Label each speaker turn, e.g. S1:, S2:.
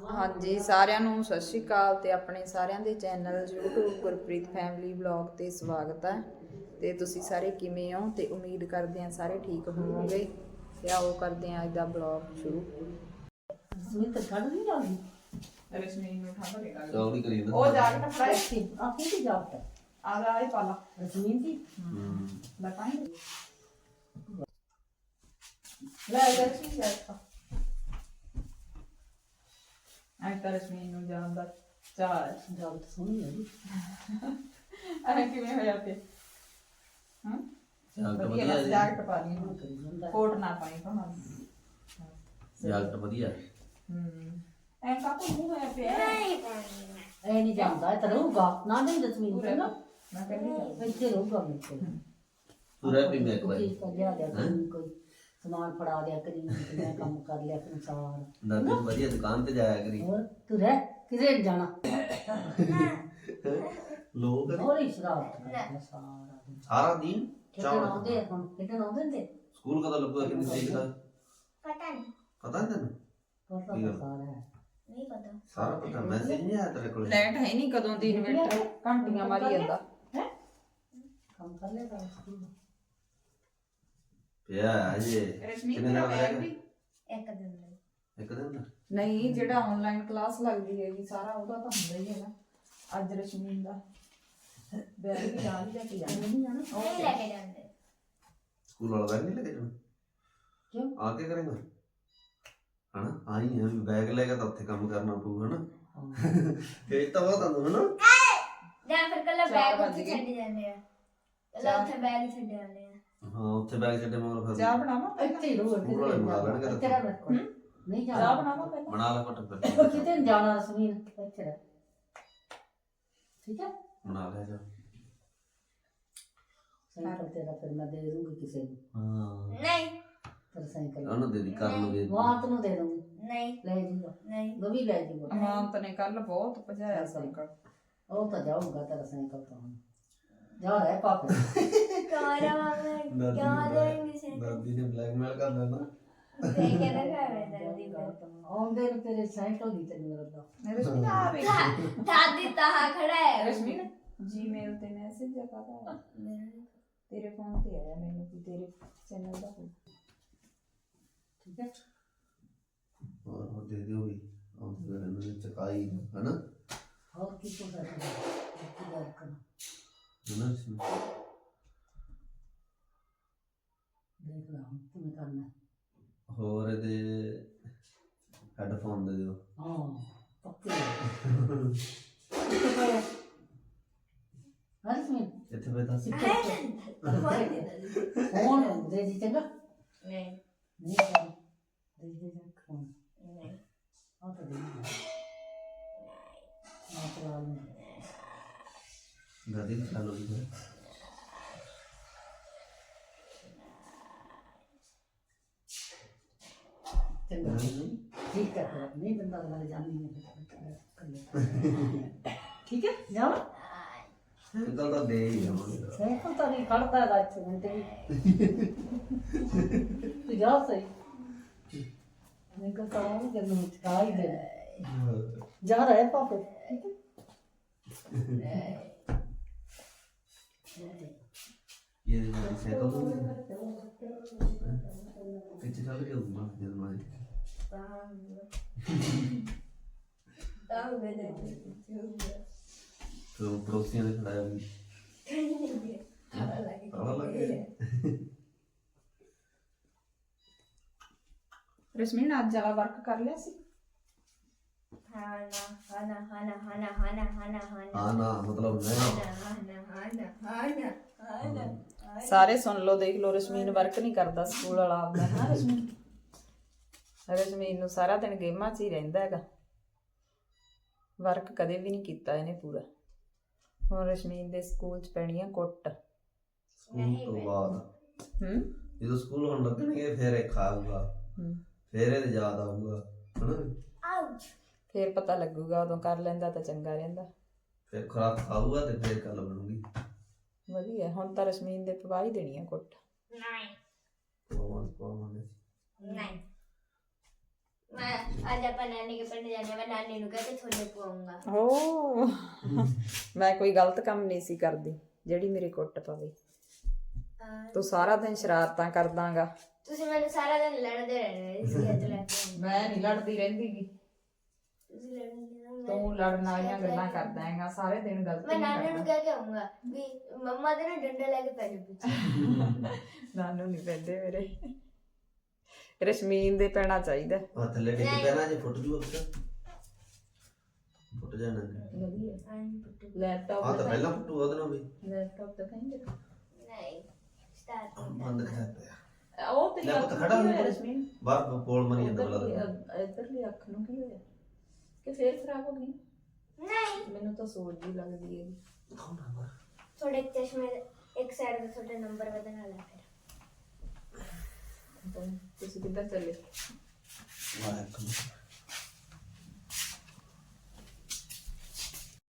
S1: ਹਾਂਜੀ ਸਾਰਿਆਂ ਨੂੰ ਸਤਿ ਸ਼੍ਰੀ ਅਕਾਲ ਤੇ ਆਪਣੇ ਸਾਰਿਆਂ ਦੇ channel YouTube Gurpreet family vlog ਤੇ ਸਵਾਗਤ ਹੈ। ਤੇ ਤੁਸੀਂ ਸਾਰੇ ਕਿਵੇਂ ਹੋ ਤੇ ਉਮੀਦ ਕਰਦੇ ਹਾਂ ਸਾਰੇ ਠੀਕ ਹੋਵੋਗੇ। ਤੇ ਆਓ ਕਰਦੇ ਹਾਂ ਅੱਜ ਦਾ ਵਲੌਗ ਸ਼ੁਰੂ।
S2: ਸੁਨੀਤ ਠੰਡ ਨਹੀਂ ਲੱਗਦੀ
S1: ਰਸਮੀਨ ਨੂੰ ਠੰਡ ਨਹੀਂ ਲੱਗਦੀ।
S3: ਚੌੜੀ ਕਰੀ ਨਾ
S1: ਉਹ ਜਾ ਕੇ ਫੜਾਈ
S2: ਸੀ ਆ ਕੀ ਜਾਪਦਾ
S1: ਆ ਜਾ ਇਹ ਪਾਲਾ
S2: ਰਸਮੀਨ ਦੀ
S1: ਬਤਾਈ ਲੈ ਜਾ ਸੀ ਸੈਟ ਆਈ ਤਾਂ ਰਸਮੀਨ ਨੂੰ ਜਾਣ ਦਾ ਚਾਹ ਹੈ।
S2: ਜਾਪਦਾ ਸੋਹਣੀ ਹੈ ਜੀ
S1: ਅਰੇ ਕਿਵੇਂ ਹੋਇਆ ਤੇ ਹਾਂ
S3: ਜਾਕਟ
S1: ਵਧੀਆ
S3: ਵਧੀਆ
S1: ਲੱਗ
S3: ਜੀ।
S1: ਜਾਕਟ ਪਾ ਲਈ
S2: ਕਰੀ ਜਾਂਦਾ
S1: ਕੋਟ ਨਾ ਪਾਈ ਭਾਵੇਂ
S3: ਜਾਕਟ ਵਧੀਆ
S1: ਐ ਕਾਕੂ ਮੂੰਹ ਹੋਇਆ ਪਿਆ
S2: ਐ ਨਹੀਂ ਜਾਂਦਾ ਇਹ ਤਾਂ ਰਹੂਗਾ ਨਾ ਨਹੀਂ ਰਸਮੀਨ ਤੇ ਨਾ
S1: ਮੈਂ ਕਹਿੰਦੀ
S2: ਇੱਥੇ ਰਹੂਗਾ ਮੇਰੇ ਕੋਲ
S3: ਤੂੰ ਰਹਿ ਪਈ ਇੱਕ ਵਾਰੀ
S2: ਚੀਜ਼ ਕਰ ਲਿਆ ਕੋਈ ਸਮਾਨ ਫੜਾ ਲਿਆ ਕਰੀ ਮੈਂ ਕੰਮ ਕਰ ਲਿਆ ਫਿਰ ਸਾਰ
S3: ਦਾਦੀ ਵਧੀਆ ਦੁਕਾਨ ਤੇ ਜਾਇਆ ਕਰੀ
S2: ਹੋਰ ਤੂੰ ਰਹਿ ਕਿਧਰੇ ਨੀ ਜਾਣਾ
S3: ਲੋਕ
S2: ਹੋਰ ਹੀ ਸ਼ਰਾਰਤ ਕਰਦਾ ਸਾਰਾ ਦਿਨ
S3: ਸਾਰਾ ਦਿਨ
S2: ਖੇਡਣ ਆਉਂਦੇ ਹੁਣ ਖੇਡਣ ਆਉਂਦੇ ਨੇ
S3: ਸਕੂਲ ਕਦੋਂ ਲੱਗੂਗਾ ਕਿੰਨੀ ਤਰੀਕ ਦਾ
S4: ਪਤਾ ਨਹੀਂ
S3: ਪਤਾ ਨਹੀਂ ਤੈਨੂੰ
S2: ਪਤਾ ਤਾਂ ਸਾਰਾ ਹੈ
S4: ਨਹੀਂ ਪਤਾ
S3: ਸਾਰਾ ਪਤਾ ਮੈਸੇਜ ਨਹੀਂ ਆਇਆ ਤੇਰੇ ਕੋਲ
S1: ਲਾਈਟ ਹੈ ਨਹੀਂ ਕਦੋਂ ਦੀ ਇਨਵਰਟਰ ਘੰਟੀਆਂ ਮਾਰੀ ਜਾਂਦਾ
S2: ਹੈ ਕੰਮ ਕਰ ਲਿਆ ਤਾਂ ਸਕੂਲ ਦਾ
S3: ਪਿਆ ਅਜੇ
S1: ਰਸ਼ਮੀ
S3: ਕਿੰਨੇ ਦਿਨ
S1: ਬੈਗ
S3: ਲੱਗੇਗਾ
S1: ਵੀ
S4: ਇੱਕ ਦਿਨ ਲਈ
S3: ਇੱਕ ਦਿਨ ਦਾ
S1: ਨਹੀਂ ਜਿਹੜਾ ਆਨਲਾਈਨ ਕਲਾਸ ਲੱਗਦੀ ਹੈਗੀ ਸਾਰਾ ਉਹਦਾ ਤਾਂ ਹੁੰਦਾ ਹੀ ਹੈਗਾ। ਅੱਜ ਰਸ਼ਮੀਨ ਦਾ ਬੈਗ ਵੀ ਨਾਲ ਹੀ ਲੈ ਕੇ ਜਾਣਾ
S2: ਨਹੀਂ ਜਾਣਾ
S4: ਨਹੀਂ ਲੈ ਕੇ ਜਾਂਦੇ
S3: ਸਕੂਲ ਵਾਲਾ ਬੈਗ ਨਹੀਂ ਲੈ ਕੇ ਜਾਣਾ
S2: ਕਿਉਂ
S3: ਆ ਕੇ ਕਰੇਗਾ ਹਨਾ ਆਈ ਹੈ ਵੀ ਬੈਗ ਲੈ ਕੇ ਤਾਂ ਉੱਥੇ ਕੰਮ ਕਰਨਾ ਪਊ ਹਨਾ ਇਹ ਤਾਂ ਬਹੁਤ ਆਉਂਦਾ ਹਨਾ
S4: ਜਾਂ ਫਿਰ ਕੱਲਾ
S1: ਚਾਰ
S4: ਬੈਗ
S1: ਵੱਜ
S4: ਉੱਥੇ
S1: ਗਏ।
S4: ਛੱਡ ਜਾਂਦੇ ਆ ਕੱਲਾ ਉੱਥੇ ਬੈਗ ਹੀ ਛੱਡ ਜਾਂਦੇ ਆ
S3: ਹਾਂ ਉੱਥੇ ਬੈਗ ਛੱਡੇ ਮਗਰ ਫਿਰ
S1: ਚਾਹ ਬਣਾਵਾਂ
S2: ਇੱਥੇ ਹੀ ਰਹੋ
S3: ਸਕੂਲ ਵਾਲੇ ਬਣਾ ਲੈਣਗੇ
S2: ਤੇਰਾ ਮੇਰੇ ਕੋਲ ਨਹੀਂ
S1: ਚਾਹ
S2: ਜਾਣਾ
S1: ਬਣਾਵਾਂ ਪਹਿਲਾਂ
S3: ਬਣਾ ਲੈ ਘੱਟ ਫਿਰ
S2: ਕਿਤੇ ਨੀ ਜਾਣਾ ਸੁਨੀਲ ਇੱਥੇ ਰਹਿ ਠੀਕ ਹੈ
S3: ਬਣਾ ਲੈ ਜਾ
S2: ਸਾਈਕਲ ਤੇਰਾ ਫਿਰ ਮੈਂ ਦੇ ਦੂੰਗੀ ਕਿਸੇ ਨੂੰ
S3: ਹਾਂ
S4: ਨਹੀਂ
S2: ਤੇਰਾ ਸਾਈਕਲ
S3: ਉਹਨੂੰ ਦੇ ਦੀ ਕਰਨ ਨੂੰ ਦੇ ਦੀ।
S2: ਵਾਤ ਨੂੰ ਦੇ ਦੂੰਗੀ
S4: ਨਹੀਂ
S2: ਲੈ ਜੂਗਾ
S4: ਨਹੀਂ
S2: ਉਹ ਵੀ ਲੈ ਜੂਗਾ
S1: ਅਮਾਨਤ ਨੇ ਕੱਲ ਬਹੁਤ ਭਜਾਇਆ ਸਾਈਕਲ
S2: ਉਹ ਤਾਂ ਜਾਊਗਾ ਤੇਰਾ ਸਾਈਕਲ ਤਾਂ ਹੁਣ ਜਾ ਰਹਿ ਪਾਪੇ
S4: ਕਾਰਾ ਮਾਮਾ ਕਿਉਂ ਦੇਂਗੇ ਸੇ
S3: ਦਾਦੀ ਨੇ ਬਲੈਕਮੇਲ ਕਰ ਲੈਣਾ
S4: ਤੇ ਕਿਹਦਾ ਘਰ ਹੈ ਦਾਦੀ
S2: ਆਉਂਦੇ ਨੂੰ ਤੇਰੇ ਸਾਈਕਲ ਦੀ ਤੈਨੂੰ ਰੱਦਾ
S1: ਰਸ਼ਮੀਨ ਆ ਵੇਖ
S4: ਦਾਦੀ ਤਾਂ ਖੜਾ ਹੈ
S1: ਰਸ਼ਮੀਨ ਜੀਮੇਲ ਤੇ ਮੈਸੇਜ ਆਇਆ ਤੇਰੇ ਫੋਨ ਤੇ ਆਇਆ ਮੈਨੂੰ ਕਿ ਤੇਰੇ ਚੈਨਲ ਦਾ ਹੋਊ।
S2: ਠੀਕ ਹੈ
S3: ਹੋਰ ਉਹ ਦੇ ਦਿਓ ਵੀ ਉਹ ਫਿਰ ਇਹਨਾਂ ਨੇ ਚਕਾਈ ਹਨਾ
S2: ਹੋਰ ਕੀ ਕੋ ਕਰਨਾ ਕੀ ਗੱਲ ਕਰਨਾ
S3: ਹਨਾ ਇਸਨੂੰ।
S2: ਦੇਖ ਲਾ ਹੁਣ ਕਿਵੇਂ ਕਰਨਾ
S3: ਹੋਰ ਇਹਦੇ ਹੈੱਡਫੋਨ ਦੇ ਦਿਓ
S2: ਹਾਂ ਪੱਕੇ ਕਿੱਥੇ ਪਾਇਆ ਹਰਸ ਮੈਂ
S3: ਇੱਥੇ ਬੈਠਾ ਸੀ
S2: ਫੋਨ ਦੇ ਦੀ ਚੰਗਾ
S4: ਨਹੀਂ
S2: ਨਹੀਂ ਕਰ ਦੇ ਦੇ ਫੋਨ
S4: ਨਹੀਂ
S2: ਆ ਤਾਂ ਦੇ ਆ ਚਲਾ ਲੈ
S3: ਦਾਦੀ ਨੇ ਚਾਲੂ ਕੀਤਾ
S2: ਚੰਗਾ ਠੀਕ ਹੈ ਫਿਰ ਨਹੀਂ ਬੰਦਾ ਵਾਲੇ ਜਾਣੀ ਹੈ ਠੀਕ ਹੈ ਜਾਓ
S3: ਅੰਕਲ ਤਾਂ ਦੇ ਹੀ ਜਾਵਾਂਗੇ
S2: ਸਾਈਕਲ ਤਾਂ ਨਹੀਂ ਖੜਦਾ ਦਾ ਇੱਥੇ ਮਿੰਟ ਵੀ ਤੂੰ ਜਾ ਸਹੀ ਮੈਂ ਕਹ ਤਾਂ ਉਹ ਜਨ ਚਕਾ ਹੀ ਦੇ ਜਾ ਰਹੇ ਪਾਪੇ ਠੀਕ ਹੈ
S3: ਇਹ ਦੇ ਨਾਲ ਸਾਈਕਲ ਤੋਂ ਕਿੱਥੇ ਚੱਲ ਗਿਆ ਉਹ ਮਾਂ ਜਦ ਮਾਂ
S4: ਤਾਂ ਵੇਲੇ
S3: ਤੇ ਉਹ ਪੜੋਸੀਆਂ ਨੇ ਖੜਾਇਆ ਵੀ ਤਾਲਾ ਲੱਗ ਗਿਆ
S1: ਰਸ਼ਮੀਨ ਅੱਜ ਵਾਲਾ ਵਰਕ ਕਰ ਲਿਆ ਸੀ
S4: ਹਾਨਾ
S3: ਹਾਂ ਨਾ ਮਤਲਬ
S1: ਸਾਰੇ ਸੁਣ ਲਓ ਦੇਖ ਲਓ ਰਸ਼ਮੀਨ ਵਰਕ ਨਹੀਂ ਕਰਦਾ ਸਕੂਲ ਵਾਲਾ ਆਪਦਾ ਹਾਂ ਰਸ਼ਮੀਨ ਰਸ਼ਮੀਨ ਨੂੰ ਸਾਰਾ ਦਿਨ ਗੇਮਾਂ 'ਚ ਹੀ ਰਹਿੰਦਾ ਹੈਗਾ ਵਰਕ ਕਦੇ ਵੀ ਨਹੀਂ ਕੀਤਾ ਇਹਨੇ ਪੂਰਾ ਹੁਣ ਰਸ਼ਮੀਨ ਦੇ ਸਕੂਲ 'ਚ ਪੈਣੀ ਆ ਕੁੱਟ
S3: ਸਕੂਲ ਤੋਂ ਬਾਅਦ ਜਦੋਂ ਸਕੂਲ ਹੁਣ ਲੱਗਣਗੇ ਫਿਰ ਇਹ ਖਾਊਗਾ ਫਿਰ ਇਹ ਯਾਦ ਆਊਗਾ ਹਨਾ
S4: ਆਊਚ
S1: ਫੇਰ ਪਤਾ ਲੱਗੂਗਾ ਉਦੋਂ ਕਰ ਲੈਂਦਾ ਤਾਂ ਚੰਗਾ ਰਹਿੰਦਾ
S3: ਫਿਰ ਖੁਰਾਕ ਖਾਊਗਾ ਤੇ ਫਿਰ ਗੱਲ ਬਣੂਗੀ
S1: ਵਧੀਆ ਹੁਣ ਤਾਂ ਰਸ਼ਮੀਨ ਦੇ ਪਵਾ ਹੀ ਦੇਣੀ ਆ ਕੁੱਟ
S4: ਨਹੀਂ
S3: ਪਵਾਵਾਂਗੇ
S4: ਨਹੀਂ मैं आज अपन नानी के पिंड जाने मैं नानी नु कहते छोले पवाऊंगा
S1: ਓ ਮੈਂ ਕੋਈ ਗਲਤ ਕੰਮ ਨਹੀਂ ਸੀ ਕਰਦੀ ਜਿਹੜੀ ਮੇਰੀ ਕੁੱਟ ਪਵੇ ਤੂੰ ਸਾਰਾ ਦਿਨ ਸ਼ਰਾਰਤਾਂ ਕਰਦਾਗਾ
S4: ਤੁਸੀਂ ਮੈਨੂੰ ਸਾਰਾ ਦਿਨ ਲੜਦੇ ਰਹਿੰਦੇ ਇਸ ਲਈ ਲੈ ਕੇ
S1: ਮੈਂ ਨਹੀਂ ਲੜਦੀ ਰਹਿੰਦੀਗੀ
S4: ਤੁਸੀਂ ਲੜਦੇ
S1: ਤੂੰ ਲੜਨ ਵਾਲੀਆਂ ਗੱਲਾਂ ਕਰਦਾ ਹੈਗਾ ਸਾਰੇ ਦਿਨ ਗਲਤੀ
S4: मैं
S1: ਨਹੀਂ
S4: नानी नु
S1: ਕਰਦਾ।
S4: कह के आऊंगा भी मम्मा दे ना डंडा लेके पहले पीछे
S1: ਨਾਨੂ ਨਹੀਂ ਪੈਂਦੇ ਮੇਰੇ ਰਸ਼ਮੀਨ ਦੇ ਪੈਣਾ ਚਾਹੀਦਾ
S3: ਆ ਥੱਲੇ ਟਿਕ ਪੈਣਾ ਜੇ ਫੁੱਟ ਜੂ ਅੱਛਾ ਫੁੱਟ ਜਾਣਾ
S1: ਵਧੀਆ
S4: आनी पुट्टू
S1: ਲੈਪਟਾਪ
S3: ਆ ਤਾਂ ਪਹਿਲਾਂ ਫੁੱਟੂ ਉਹਦੇ ਨਾਲ ਵੀ
S1: ਲੈਪਟਾਪ ਤਾਂ ਕਹਿੰਦੇ
S4: नहीं स्टार्ट
S3: ਬੰਦ ਕਰ ਪਿਆ
S1: ਉਹ ਤੇ
S3: ਲੈ ਪੁੱਤ ਖੜਾ ਹੋ ਜਾ।
S1: ਰਸ਼ਮੀਨ
S3: ਬਾਹਰ ਪੋਲ ਮਰੀ ਜਾਂਦਾ ਬਲਾ
S1: ਇੱਧਰਲੀ ਅੱਖ ਨੂੰ ਕੀ ਹੋਇਆ ਕਿ ਫੇਰ ਖਰਾਬ ਹੋ ਗਈ
S4: नहीं
S1: ਮੈਨੂੰ ਤਾਂ ਸੋਚ ਜੀ ਲੱਗਦੀ ਹੈ
S4: थोड़े चश्मे एक साइड पे थोड़ा नंबर बदलना लगा
S1: ਤੁਸੀਂ ਕਿੱਧਰ ਚੱਲੇ
S3: ਵਾਹ